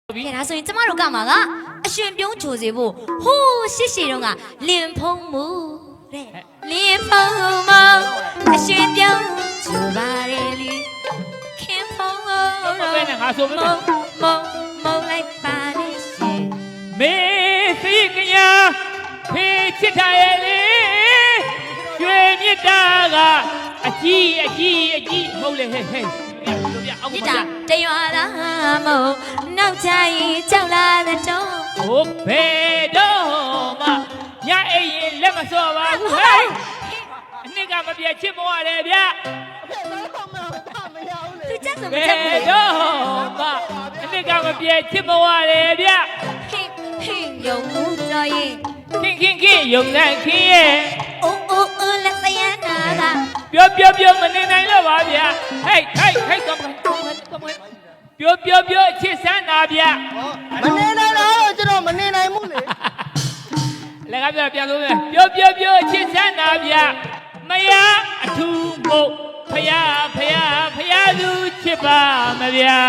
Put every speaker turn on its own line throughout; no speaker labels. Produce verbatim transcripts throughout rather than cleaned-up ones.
ကဲဒါဆိုရင်ကျမတို့ကမှာကအရှင်ပြုံးချိုစေဖို့ဟိုးရှစ်ရှည်တုန်းကလင်ဖုံးမှုတဲ့လင်ဖုံးမအရှင်ပြုံးချိုပါလေလေခင်ဖုံးမပဲနဲ့ငါဆိုမလို့မမလိုက်ပါလေရှင်မေစိတ်ကညာဖေးချစ်ထားရဲ့လေကျွေမြတ်တာကအကြီးအကြီးအကြီးမဟုတ်လေဟဲ့ဟဲ့ဒီတာတရွာသားမို့နောက်ချရင်ကြောက်လာတဲ့တော့ဟုတ်ဘယ်တော့မှညအိရင်လက်မစော့ပါဘူးဟဲ့အနှစ်ကမပြည့်ချစ်မဝတယ်ဗျသူချက်စမချက်ဘူးဘယ်တော့မှအနှစ်ကမပြည့်ချစ်မဝတယ်ဗျဟင်းဟင်းယုံမှုတော်ရင်ခင်ခင်ခင်ယုံနိုင်ခင်ရဲ့အိုးအိုးအိုးလက်သရနာကပြောပြောပြောမနေနိုင်တော့ပါဗျာဟဲ့ဟဲ့ဟဲ့တော့ပြောပြောပြောချစ်စမ်းတာဗျာ
မနေနိုင်တော့ကျွန်တော်မနေနိုင်ဘူးလေ
လည်းကပြောပြန်လို့ပြောပြောပြောချစ်စမ်းတာဗျာမယားအထူးမို့ဖယားဖယားဖယားသူချစ်ပါမဗျာ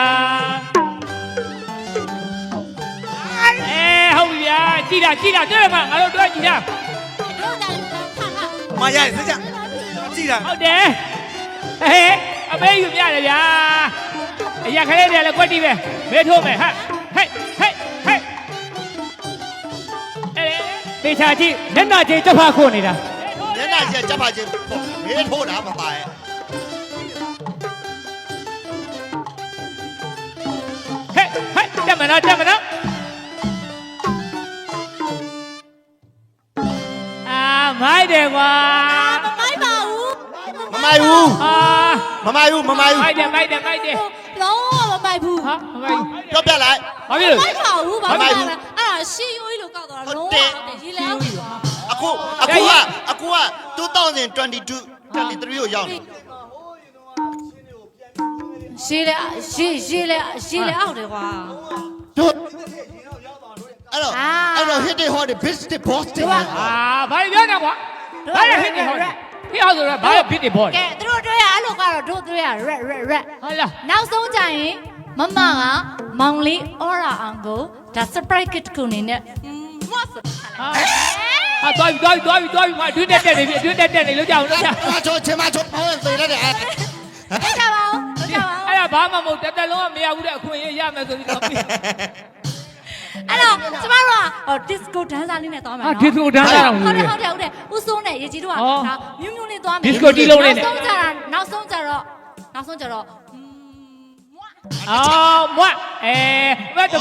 အဲဟုတ်ဗျာကြည့်တာကြည့်တာတွေ့မှာငါတို့တွေ့ကြည့်တာ
မရစကြကြည့်တာ
ဟုတ်တယ်ဟဲ့အမေယူပြတယ်ဗျာအရာခလေးတွေလည်းကွက်တီးပဲမဲထိုးမယ်ဟာဟဲ့ဟဲ့ဟဲ့အဲတေချာကြည့်မျက်နှာချင်းချက်ဖခုတ်နေတာ
မျက်နှာချင်းချက်ဖချင်းမဲထိုးတာမပါရဲ့
ဟဲ့ဟဲ့တက်မနော်တက်မနော်အာမိုက်တယ်ကွာ
မမိုက်ပါဘူး
မမိုက်ဘူး
အာ
မမိုက်ဘူးမမိုက်ဘူး
မိုက်တယ်မိုက်တယ်မိုက်တယ်
လုံးဝမမိုက်ဘူး
ဟာမမိုက်
ပြောပြလိုက်
ဘာဖြစ်လို့
မိုက်ပါဘူးဘာဖြစ်လဲအဲ့ဒါရှင်းရိုးကြီးလို့ကောက်တော့လုံးဝရေလဲအောင်
အခုအခုကအခုကtwenty twenty-two twenty-threeကိုရောက်နေ
ရှင်းလေရှင်းရှင်းလေရှင်းလေအောက်တယ်ကွာ
တို့အဲ့တော့အဲ့တော့ hit it hard bitch the boss တဲ့
အာဘာပြောနေကွာဘာလဲ hit it hard ဟိဟောဆိုတော့ဘာလဲ hit it boss
ကဲသူတို့တွေ့ရအဲ့လိုကတော့တို့တွေ့ရ red red red
ဟုတ်လား
နောက်ဆုံးကြရင်မမကမောင်လေးအော်ရာအောင်ကိုဒါ surprise kit ကိုနေနဲ့မတ်ဟာ
ဟာသွားပြီသွားပြီသွားပြီသွားပြီမအတွင်းတက်တက်နေပြီအတွင်းတက်တက်နေလို့ကြောက်လို့ကြောက်
မချိုချင်မချိုဟောသေရတယ်အဲ့
ဒါပါဦးဒါပါဦး
အဲ့ဒါဘာမှမဟုတ်တက်တက်လုံးကမရဘူးတဲ့အခွင့်အရေးရမယ်ဆိုပြီးတော့ပြီး
အဲ့တော့ကျမတို့ကဟို disco dancer လေးနဲ့သွားမယ်နော်
disco dancer တော့
ဟုတ်တယ်ဟုတ်တယ်ဟုတ်တယ်ဦးစိုးနဲ့ရေကြီးတို့ကဒါမြူးမြူးလေးသွားမယ်
disco တီးလုံးလေးနဲ့
နောက်ဆုံးကြတာနောက်ဆုံးကြတော့နောက်ဆုံးကြတော့
အော်မွတ်အဲမွတ်